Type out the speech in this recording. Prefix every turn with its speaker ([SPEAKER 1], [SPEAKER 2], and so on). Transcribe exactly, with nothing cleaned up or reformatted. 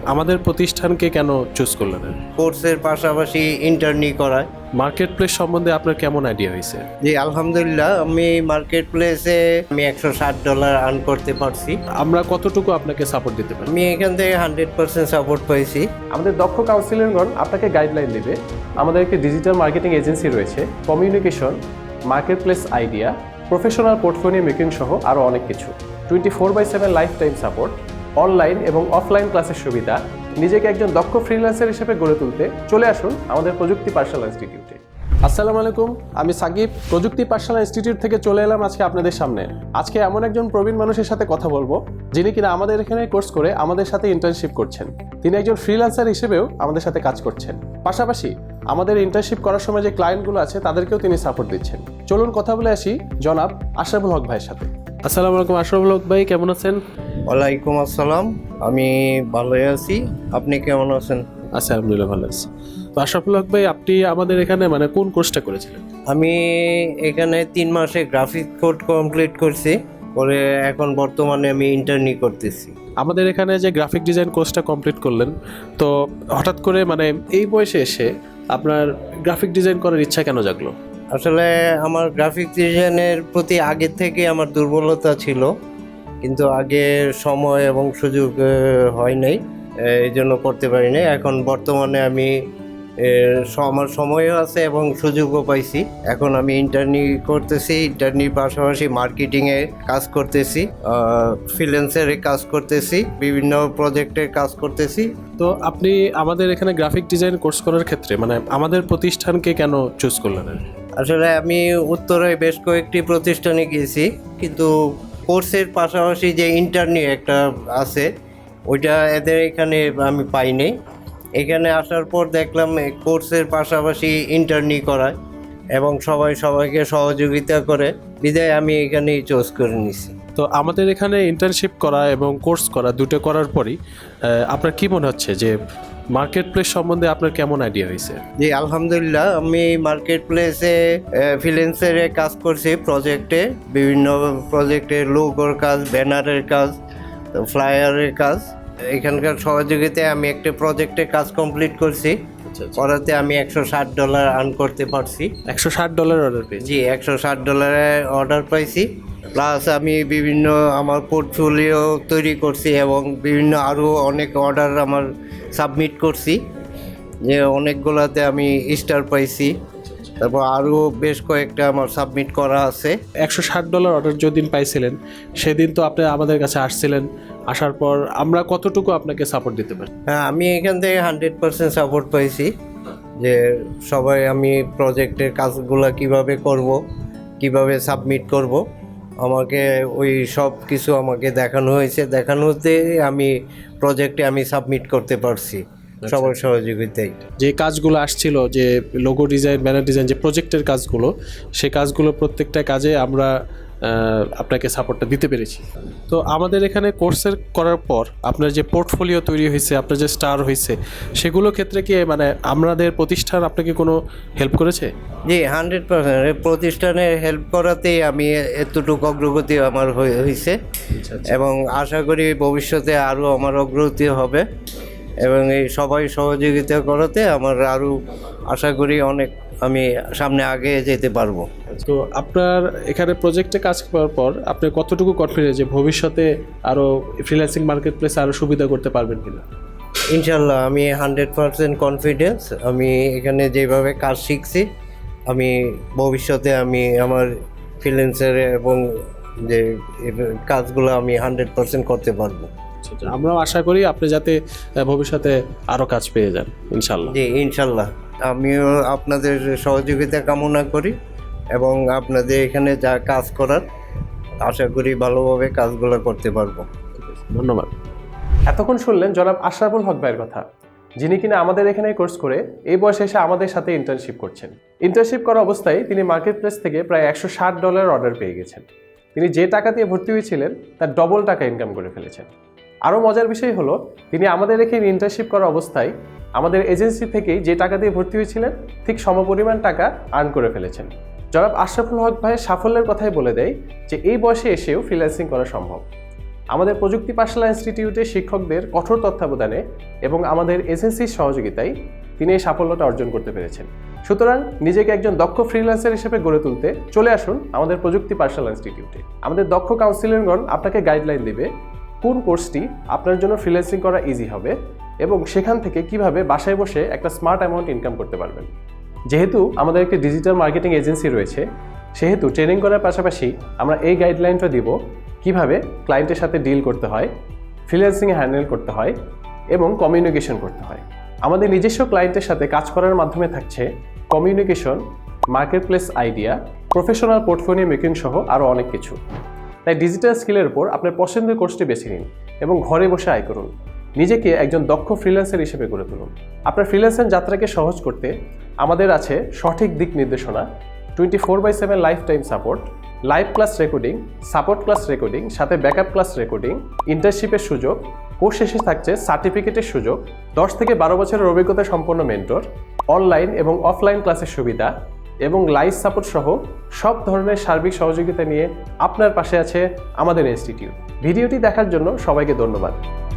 [SPEAKER 1] আমাদের প্রতিষ্ঠানকে কেন চুজ করলেন?
[SPEAKER 2] কোর্সের পাশাপাশি ইন্টার্নি করায়।
[SPEAKER 1] মার্কেট প্লেস সম্বন্ধে আপনার কেমন আইডিয়া হয়েছে?
[SPEAKER 2] জি আলহামদুলিল্লাহ, আমি মার্কেট প্লেসে আমি একশো ষাট ডলার আর্ন করতে পারছি।
[SPEAKER 1] আমরা কতটুকু আপনাকে সাপোর্ট দিতে পারি?
[SPEAKER 2] আমি এখান থেকে হান্ড্রেড পার্সেন্ট সাপোর্ট পাইছি।
[SPEAKER 3] আমাদের দক্ষ কাউন্সিলরগণ আপনাকে গাইডলাইন দেবে। আমাদের একটি ডিজিটাল মার্কেটিং এজেন্সি রয়েছে, communication, market place idea, professional portfolio making সহ আরও অনেক কিছু। Twenty four by seven life time support, online এবং অফলাইন ক্লাসের সুবিধা। নিজেকে একজন দক্ষ ফ্রিল্যান্সার হিসেবে গড়ে তুলতে চলে আসুন আমাদের প্রযুক্তি পাঠশালা ইনস্টিটিউটে। আসসালামু আলাইকুম, আমি সাকিব, প্রযুক্তি পাঠশালা ইনস্টিটিউট থেকে চলে এলাম আজকে আপনাদের সামনে। আজকে এমন একজন প্রবীণ মানুষের সাথে কথা বলবো যিনি কিনা আমাদের এখানে কোর্স করে আমাদের সাথে ইন্টার্নশিপ করছেন। তিনি একজন ফ্রিল্যান্সার হিসেবেও আমাদের সাথে কাজ করছেন, পাশাপাশি আমাদের ইন্টার্নশিপ করার সময় যে ক্লায়েন্টগুলো আছে তাদেরকেও তিনি সাপোর্ট দিচ্ছেন। চলুন কথা বলে আসি জনাব আশরাফুল হক ভাইয়ের সাথে।
[SPEAKER 1] আসসালামু আলাইকুম আশরাফুল হক ভাই, কেমন আছেন?
[SPEAKER 2] ওয়ালাইকুম আসসালাম, আমি ভালোই আছি। আপনি কেমন আছেন?
[SPEAKER 1] আচ্ছা, আলহামদুলিল্লাহ ভালো আছি। তো আশরাফুল হক ভাই, আপনি আমাদের এখানে মানে কোন কোর্সটা করেছিলেন?
[SPEAKER 2] আমি এখানে তিন মাসে গ্রাফিক কোড কমপ্লিট করছি, করে এখন বর্তমানে আমি ইন্টার্নি করতেছি।
[SPEAKER 1] আমাদের এখানে যে গ্রাফিক ডিজাইন কোর্সটা কমপ্লিট করলেন, তো হঠাৎ করে মানে এই বয়সে এসে আপনার গ্রাফিক ডিজাইন করার ইচ্ছা কেন জাগলো?
[SPEAKER 2] আসলে আমার গ্রাফিক ডিজাইনের প্রতি আগের থেকে আমার দুর্বলতা ছিল, কিন্তু আগে সময় এবং সুযোগ আহ, হয় নাই, এই জন্য করতে পারি নাই। এখন বর্তমানে আমি এর, স- আমার সময়ও আছে এবং সুযোগও পাইছি। এখন আমি ইন্টার্নি করতেছি, ইন্টার্নির পাশাপাশি মার্কেটিংয়ে কাজ করতেছি, ফ্রিল্যান্সারে কাজ করতেছি, বিভিন্ন প্রজেক্টে কাজ করতেছি।
[SPEAKER 1] তো আপনি আমাদের এখানে গ্রাফিক ডিজাইন কোর্স করার ক্ষেত্রে মানে আমাদের প্রতিষ্ঠানকে কেন চুজ করলেন?
[SPEAKER 2] আসলে আমি উত্তরে বেশ কয়েকটি প্রতিষ্ঠানে গিয়েছি, কিন্তু কোর্সের পাশাপাশি যে ইন্টার্নি একটা আছে ওইটা এদের এখানে আমি পাইনি। এখানে আসার পর দেখলাম এই কোর্সের পাশাপাশি ইন্টার্নি করায় এবং সবাই সবাইকে সহযোগিতা করে, বিদায় আমি এখানেই চুজ করে নিছি।
[SPEAKER 1] তো আমাদের এখানে ইন্টার্নশিপ করা এবং কোর্স করা দুটো করার পরই আহ, আপনার কি মনে হচ্ছে যে মার্কেট প্লেস সম্বন্ধে আপনার কেমন আইডিয়া হয়েছে?
[SPEAKER 2] জি আলহামদুলিল্লাহ, আমি মার্কেট প্লেসে ফ্রিল্যান্সারে কাজ করছি, প্রজেক্টে বিভিন্ন প্রজেক্টে লোগোর কাজ, ব্যানারের কাজ, ফ্লায়ারের কাজ। এখানকার সহযোগিতায় আমি একটা প্রজেক্টে কাজ কমপ্লিট করছি, করাতে আমি একশো ষাট ডলার আর্ন করতে পারছি।
[SPEAKER 1] একশো ষাট ডলার অর্ডার পেয়েছি।
[SPEAKER 2] জি একশো ষাট ডলারে অর্ডার পাইছি, প্লাস আমি বিভিন্ন আমার পোর্টফোলিও তৈরি করছি এবং বিভিন্ন আরও অনেক অর্ডার আমার সাবমিট করছি, যে অনেকগুলোতে আমি স্টার পাইছি। তারপর আরও বেশ কয়েকটা আমার সাবমিট করা আছে।
[SPEAKER 1] একশো ষাট ডলার অর্ডার যেদিন পাইছিলেন সেদিন তো আপনি আমাদের কাছে আসছিলেন, আসার পর আমরা কতটুকু আপনাকে সাপোর্ট দিতে পারি?
[SPEAKER 2] হ্যাঁ, আমি এখান থেকে হান্ড্রেড পার্সেন্ট সাপোর্ট পাইছি, যে সবাই আমি প্রজেক্টের কাজগুলো কিভাবে করব, কিভাবে সাবমিট করব, আমাকে ওই সব কিছু আমাকে দেখানো হয়েছে। দেখানোতে আমি প্রজেক্টে আমি সাবমিট করতে পারছি সবার সহযোগিতায়।
[SPEAKER 1] যে কাজগুলো আসছিল, যে লোগো ডিজাইন, ব্যানার ডিজাইন, যে প্রজেক্টের কাজগুলো, সেই কাজগুলো প্রত্যেকটা কাজে আমরা আহ, আপনাকে সাপোর্টটা দিতে পেরেছি। তো আমাদের এখানে কোর্সের করার পর আপনার যে পোর্টফোলিও তৈরি হয়েছে, আপনার যে স্টার হয়েছে, সেগুলো ক্ষেত্রে কি মানে আমাদের প্রতিষ্ঠান আপনাকে কোনো হেল্প করেছে?
[SPEAKER 2] জি হান্ড্রেড পার্সেন্ট প্রতিষ্ঠানে হেল্প করাতেই আমি এতটুকু অগ্রগতি আমার হয়ে- হয়েছে এবং আশা করি ভবিষ্যতে আরও আমার অগ্রগতি হবে এবং এই সবাই সহযোগিতা করাতে আমার আরও আশা করি অনেক আমি সামনে আগে যেতে পারবো।
[SPEAKER 1] তো আপনার এখানে প্রজেক্টে কাজ করার পর আপনি কতটুকু কনফিডেন্স যে ভবিষ্যতে আরও ফ্রিল্যান্সিং মার্কেট প্লেসে আরও সুবিধা করতে পারবেন কিনা?
[SPEAKER 2] ইনশাল্লাহ আমি হান্ড্রেড পার্সেন্ট কনফিডেন্স। আমি এখানে যেভাবে কাজ শিখছি, আমি ভবিষ্যতে আমি আমার ফ্রিল্যান্সার এবং যে কাজগুলো আমি হান্ড্রেড পার্সেন্ট করতে পারবো।
[SPEAKER 1] আমরাও আশা করি আপনি যাতে আহ, ভবিষ্যতে আরও কাজ পেয়ে যান ইনশাল্লাহ।
[SPEAKER 2] জি ইনশাল্লাহ, আমিও আপনাদের সহযোগিতা কামনা করি এবং আপনাদের এখানে যা কাজ করার আশা করি ভালোভাবে কাজগুলো করতে পারবো।
[SPEAKER 1] ধন্যবাদ।
[SPEAKER 3] এতক্ষণ শুনলেন জনাব আশরাফুল হক ভাইয়ের কথা, যিনি কিনা আমাদের এখানে কোর্স করে এই বয়সে এসে আমাদের সাথে ইন্টার্নশিপ করছেন। ইন্টার্নশিপ করা অবস্থায় তিনি মার্কেট প্লেস থেকে প্রায় একশো ষাট ডলার অর্ডার পেয়ে গেছেন। তিনি যে টাকা দিয়ে ভর্তি হয়েছিলেন তার ডবল টাকা ইনকাম করে ফেলেছেন। আরও মজার বিষয় হলো, তিনি আমাদের এখানে ইন্টার্নশিপ করা অবস্থায় আমাদের এজেন্সি থেকেই যে টাকা দিয়ে ভর্তি হয়েছিলেন ঠিক সমপরিমাণ টাকা আর্ন করে ফেলেছেন। জনাব আশরাফুল হক ভাইয়ের সাফল্যের কথাই বলে দেয় যে এই বয়সে এসেও ফ্রিল্যান্সিং করা সম্ভব। আমাদের প্রযুক্তি পাঠশালা ইনস্টিটিউটের শিক্ষকদের কঠোর তত্ত্বাবধানে এবং আমাদের এজেন্সির সহযোগিতায় তিনি এই সাফল্যটা অর্জন করতে পেরেছেন। সুতরাং নিজেকে একজন দক্ষ ফ্রিল্যান্সার হিসেবে গড়ে তুলতে চলে আসুন আমাদের প্রযুক্তি পাঠশালা ইনস্টিটিউটে। আমাদের দক্ষ কাউন্সিলরগণ আপনাকে গাইডলাইন দেবে কোন কোর্সটি আপনার জন্য ফ্রিল্যান্সিং করা ইজি হবে এবং সেখান থেকে কিভাবে বাসায় বসে একটা স্মার্ট অ্যামাউন্ট ইনকাম করতে পারবেন। যেহেতু আমাদের একটি ডিজিটাল মার্কেটিং এজেন্সি রয়েছে, সেহেতু ট্রেনিং করার পাশাপাশি আমরা এই গাইডলাইনটা দিব কিভাবে ক্লায়েন্টের সাথে ডিল করতে হয়, ফ্রিল্যান্সিংয়ে হ্যান্ডেল করতে হয় এবং কমিউনিকেশন করতে হয়। আমাদের নিজস্ব ক্লায়েন্টের সাথে কাজ করার মাধ্যমে থাকছে communication, marketplace idea, professional portfolio making সহ আরও অনেক কিছু। তাই ডিজিটাল স্কিলের উপর আপনার পছন্দের কোর্সটি বেছে নিন এবং ঘরে বসে আয় করুন। নিজেকে একজন দক্ষ ফ্রিল্যান্সার হিসেবে গড়ে তুলুন। আপনার ফ্রিল্যান্সার যাত্রাকে সহজ করতে আমাদের আছে সঠিক দিক নির্দেশনা, twenty four by seven life time support, live class recording, support class recording, সাথে ব্যাকআপ ক্লাস রেকর্ডিং, ইন্টার্নশিপের সুযোগ, কোর্স শেষে থাকছে সার্টিফিকেটের সুযোগ, দশ থেকে বারো বছরের অভিজ্ঞতা সম্পন্ন মেন্টর, অনলাইন এবং অফলাইন ক্লাসের সুবিধা এবং লাইভ সাপোর্ট সহ সব ধরনের সার্বিক সহযোগিতা নিয়ে আপনার পাশে আছে আমাদের ইনস্টিটিউট। ভিডিওটি দেখার জন্য সবাইকে ধন্যবাদ।